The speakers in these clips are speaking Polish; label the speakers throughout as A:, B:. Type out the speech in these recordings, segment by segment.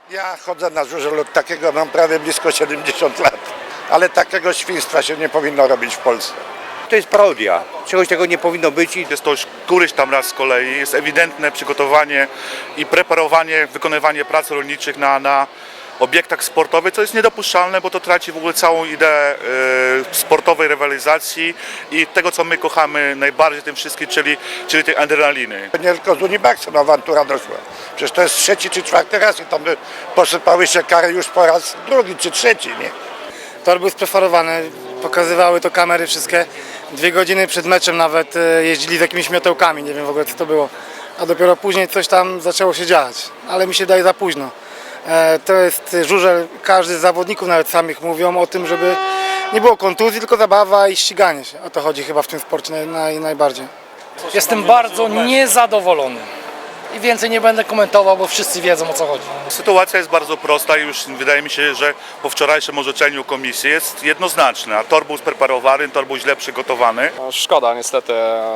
A: Ja chodzę na żużel od takiego, mam prawie blisko 70 lat, ale takiego świństwa się nie powinno robić w Polsce.
B: To jest parodia. Czegoś tego nie powinno być.
C: Jest to już któryś tam raz z kolei, jest ewidentne przygotowanie i preparowanie, wykonywanie prac rolniczych na obiektach sportowych, co jest niedopuszczalne, bo to traci w ogóle całą ideę sportowej rywalizacji i tego, co my kochamy najbardziej tym wszystkim, czyli tej adrenaliny.
A: Nie tylko z Unibaxem awantura doszła. Przecież to jest trzeci czy czwarty raz i tam posypały się kary już po raz drugi czy trzeci, nie?
D: Tor był sprefarowany, pokazywały to kamery wszystkie. 2 godziny przed meczem nawet jeździli z jakimiś miotełkami, nie wiem w ogóle co to było. A dopiero później coś tam zaczęło się dziać, ale mi się daje za późno. To jest żużel, każdy z zawodników nawet samych mówią o tym, żeby nie było kontuzji, tylko zabawa i ściganie się. O to chodzi chyba w tym sporcie najbardziej.
E: Jestem bardzo niezadowolony i więcej nie będę komentował, bo wszyscy wiedzą, o co chodzi.
C: Sytuacja jest bardzo prosta i już wydaje mi się, że po wczorajszym orzeczeniu komisji jest jednoznaczna. Tor był spreparowany, tor był źle przygotowany.
F: Szkoda, niestety,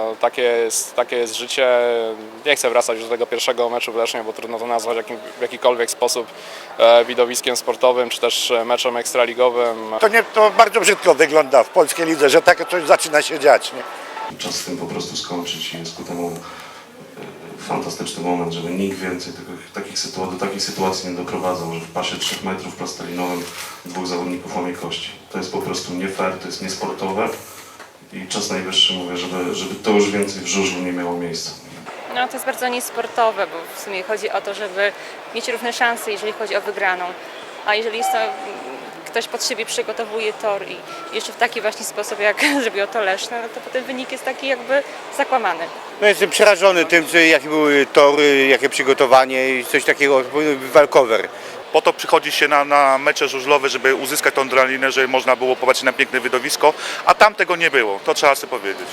F: takie jest życie. Nie chcę wracać już do tego pierwszego meczu w Lesznie, bo trudno to nazwać w jakikolwiek sposób widowiskiem sportowym, czy też meczem ekstraligowym.
A: To bardzo brzydko wygląda w polskiej lidze, że takie coś zaczyna się dziać, nie?
G: Czas z tym po prostu skończyć i jest ku temu fantastyczny moment, żeby nikt więcej do takich sytuacji nie doprowadzał, że w pasie 3 metrów plastelinowym 2 zawodników łamie kości. To jest po prostu nie fair, to jest niesportowe i czas najwyższy, mówię, żeby to już więcej w żużlu nie miało miejsca.
H: No to jest bardzo niesportowe, bo w sumie chodzi o to, żeby mieć równe szanse, jeżeli chodzi o wygraną. A jeżeli jest to, ktoś pod siebie przygotowuje tor i jeszcze w taki właśnie sposób, jak zrobił to Leszno, no to potem wynik jest taki jakby zakłamany.
B: No jestem przerażony tym, jakie były tory, jakie przygotowanie i coś takiego, walkover.
C: Po to przychodzi się na mecze żużlowe, żeby uzyskać tą adrenalinę, żeby można było popatrzeć na piękne widowisko, a tam tego nie było, to trzeba sobie powiedzieć.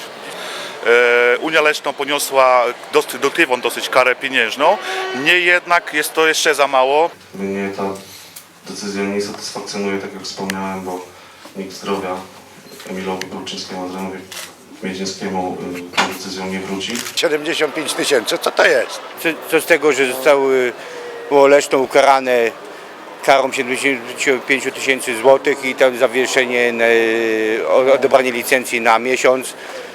C: Unia Leszno poniosła dotychczas dosyć karę pieniężną, niemniej jednak jest to jeszcze za mało.
G: Mnie ta decyzja nie satysfakcjonuje, tak jak wspomniałem, bo nikt zdrowia Emilowi Kulczyńskiemu, Adrianowi Miedzińskiemu tą decyzją nie wróci.
A: 75 000, co to jest?
B: Co z tego, że było Leszno ukarane karą 75 000 złotych i tam zawieszenie, odebranie licencji na miesiąc.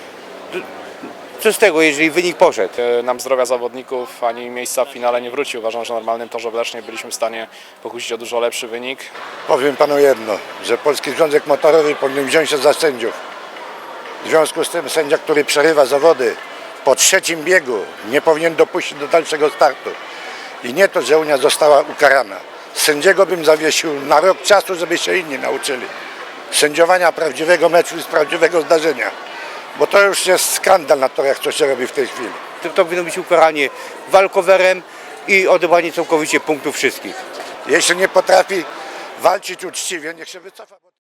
B: Co z tego, jeżeli wynik poszedł?
F: Nam zdrowia zawodników ani miejsca w finale nie wróci. Uważam, że w normalnym torze w Lesznie byliśmy w stanie pokusić o dużo lepszy wynik.
A: Powiem panu jedno, że Polski Związek Motorowy powinien wziąć się za sędziów. W związku z tym sędzia, który przerywa zawody po 3. biegu, nie powinien dopuścić do dalszego startu. I nie to, że Unia została ukarana. Sędziego bym zawiesił na rok czasu, żeby się inni nauczyli. Sędziowania prawdziwego meczu i z prawdziwego zdarzenia. Bo to już jest skandal na torach, co się robi w tej chwili.
B: To powinno być ukaranie walkowerem i odebranie całkowicie punktów wszystkich.
A: Jeśli nie potrafi walczyć uczciwie, niech się wycofa.